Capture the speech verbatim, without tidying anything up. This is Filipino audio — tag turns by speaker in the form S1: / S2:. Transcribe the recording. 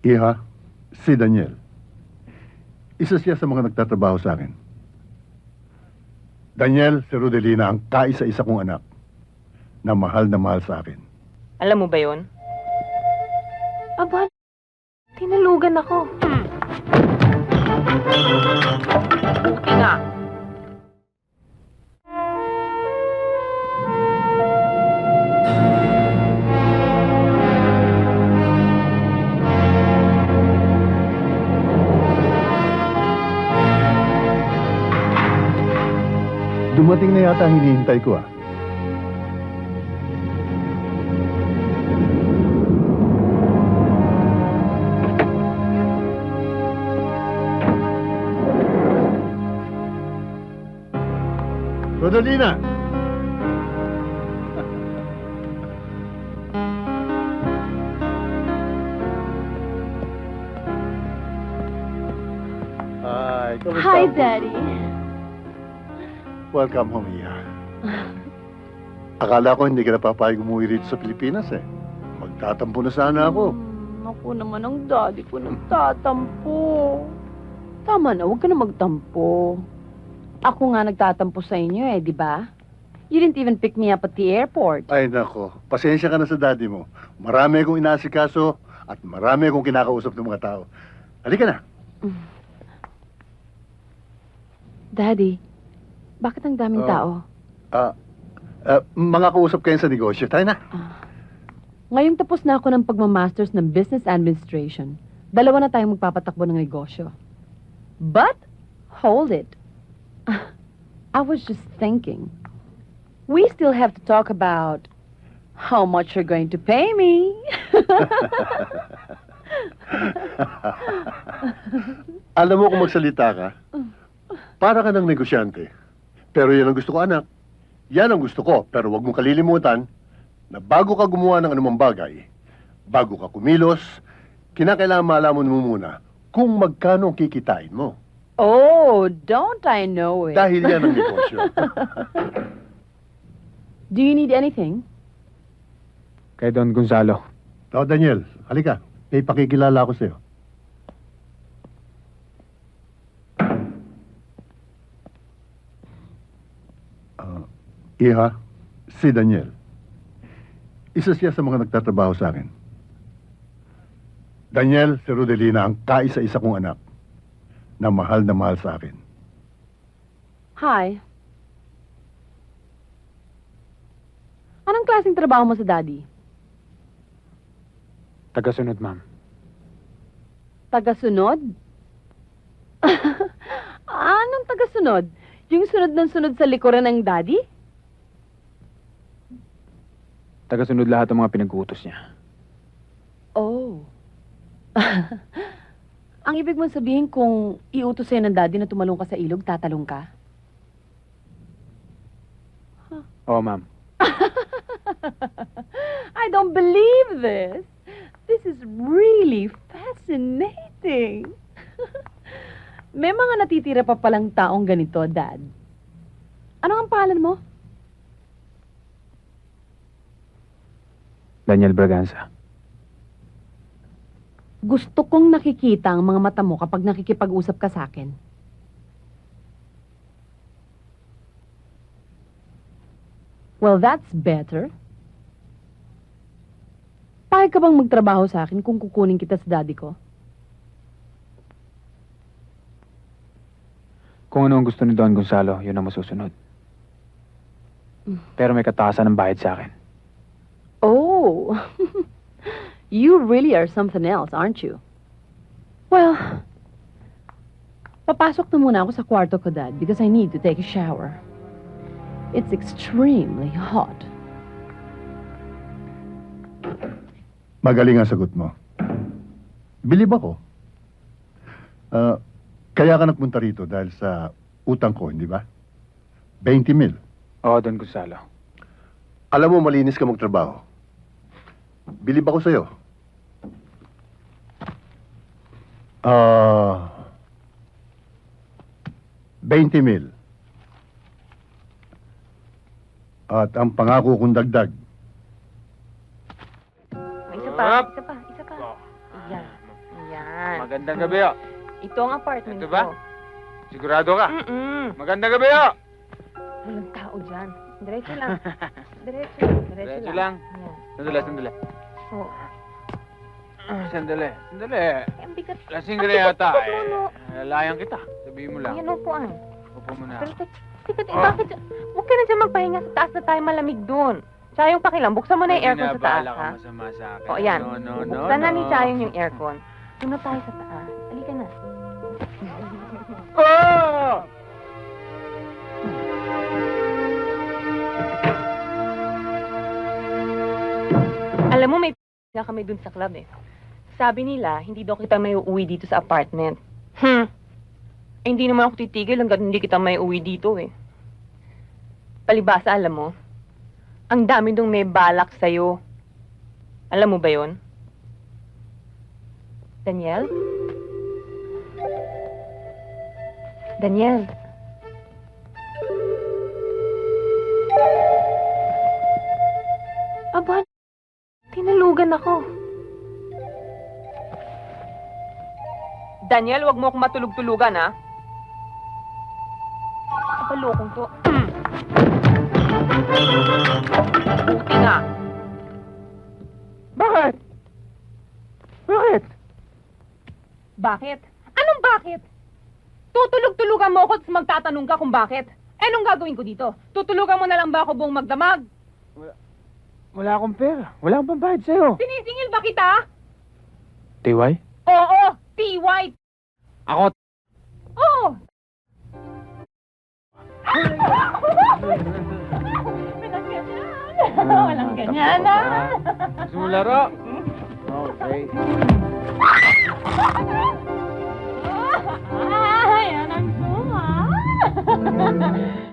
S1: Iha, si Daniel. Isa siya sa mga nagtatrabaho sa akin. Daniel, si Rodelina ang kaisa-isa kong anak na mahal na mahal sa akin.
S2: Alam mo ba yun?
S3: Aba, tinalugan ako.
S2: Hmm. Buti nga.
S1: Dumating na yata ang hinihintay ko ah. Rodolina! Hi, kamusta?
S3: Hi, Daddy.
S1: Welcome home, Iha. Akala ko hindi ka napapayag umuwi rito sa Pilipinas eh. Magtatampo na sana ako.
S3: Hmm, ako naman ang daddy ko nagtatampo. Tama na, huwag ka na magtampo. Ako nga nagtatampo sa inyo eh, di ba? You didn't even pick me up at the airport.
S1: Ay nako, pasensya ka na sa daddy mo. Marami akong inaasikaso at marami akong kinakausap ng mga tao. Halika na.
S3: Daddy, bakit ang daming
S1: Oh.
S3: tao?
S1: Ah, ah, mga kausap kayo sa negosyo. Tayo na.
S3: Ah. Ngayong tapos na ako ng pagmamasters ng Business Administration, dalawa na tayong magpapatakbo ng negosyo. But, hold it. I was just thinking, we still have to talk about how much you're going to pay me.
S1: Alam mo kung magsalita ka, para ka ng negosyante. Pero yan ang gusto ko, anak. Yan ang gusto ko, pero wag mong kalilimutan na bago ka gumawa ng anumang bagay, bago ka kumilos, kinakailangan malaman mo muna kung magkano ang kikitain mo.
S3: Oh, don't I know it?
S1: Dahil yan ang negosyo.
S3: Do you need anything?
S4: Kay Don Gonzalo.
S1: Tao, Daniel, halika. May pakikilala ako sa'yo. Uh, Iha, si Daniel. Isa siya sa mga nagtatrabaho sa akin. Daniel, si Rodelina ang kaisa-isa kong anak na mahal na mahal sa akin.
S3: Hi. Anong klaseng trabaho mo sa daddy?
S4: Tagasunod, ma'am.
S3: Tagasunod? Anong tagasunod? Yung sunod ng sunod sa likuran ng daddy?
S4: Tagasunod lahat ng mga pinag-uutos niya.
S3: Oh. Ang ibig mong sabihin kung iutos sa'yo ng daddy na tumalong ka sa ilog, tatalong ka?
S4: Oo, ma'am.
S3: I don't believe this. This is really fascinating. May mga natitira pa palang taong ganito, Dad. Ano ang pangalan mo?
S4: Daniel Braganza.
S3: Gusto kong nakikita ang mga mata mo kapag nakikipag-usap ka sa akin. Well, that's better. Payag ka bang magtrabaho sa akin kung kukunin kita sa daddy ko?
S4: Kung ano ang gusto ni Don Gonzalo, yun ang masusunod. Pero may kataasan ng bayad sa akin.
S3: Oh, you really are something else, aren't you? Well, papasok na muna ako sa kwarto ko, Dad, because I need to take a shower. It's extremely hot.
S1: Magaling ang sagot mo. Bilib ako. Ah, kaya ka nagpunta rito dahil sa utang ko, hindi ba? twenty mil.
S4: Oo, Don Gonzalo.
S1: Alam mo, malinis ka magtrabaho. Bilib ako sa'yo. Ah... twenty mil. At ang pangako kong dagdag,
S2: May isa pa, isa pa, isa pa. Yan.
S4: Magandang gabi, oh.
S2: Ito ang apartment
S4: Ito ba?
S2: ko.
S4: Sigurado ka?
S2: Mm-mm.
S4: Magandang gabi, oh.
S2: Walang tao dyan. Diretso lang. Diretso lang. Diretso,
S4: Diretso lang.
S2: Yan.
S4: Sandali, sandali.
S2: Oh.
S4: Ah, Sandali, sandali.
S2: Ay, ang bigat.
S4: Lasing ka na yata,
S2: Ang bigat,
S4: eh.
S2: Lolo.
S4: Lalayang kita. Sabihin mo lang.
S2: Ayan, upuan.
S4: Upo mo na.
S2: Pero, tek- teka,
S4: Oh.
S2: bakit? Huwag ka na dyan magpahinga sa taas na tayo malamig doon. Chayong pakilang, buksan mo na yung aircon sa taas,
S4: Binabahala ka
S2: ha?
S4: masama sa akin.
S2: O, yan.
S4: No, no, no,
S2: Buksan na
S4: no.
S2: ni Chayong yung aircon. Doon na tayo sa taas. Halika na.
S4: Oh!
S2: Alam mo, may p- na kami dun sa club eh. Sabi nila, hindi daw kita may uuwi dito sa apartment. Hmm. Eh, hindi naman ako titigil hanggang hindi kita may uwi dito eh. Palibasa, alam mo, ang dami dong may balak sa'yo. Alam mo ba yon? Daniel? Daniel? Aba, tinalugan ako. Daniel, wag mo akong matulog-tulugan, ha? Aba, lokong to. Buti nga.
S4: Bakit? Bakit?
S2: Bakit? Anong bakit? Tutulog-tulugan mo ako at magtatanong ka kung bakit. Eh, anong gagawin ko dito? Tutulugan mo na lang ba ako buong magdamag?
S4: Wala akong pera. Wala akong pambayad sa'yo.
S2: Sinisingil ba kita?
S4: T Y?
S2: Oo, T Y.
S4: Ako.
S2: Oo. Walang ganyan. Walang ganyan, ah.
S4: Gusto mo laro? Okay.
S2: Ay, anong suma?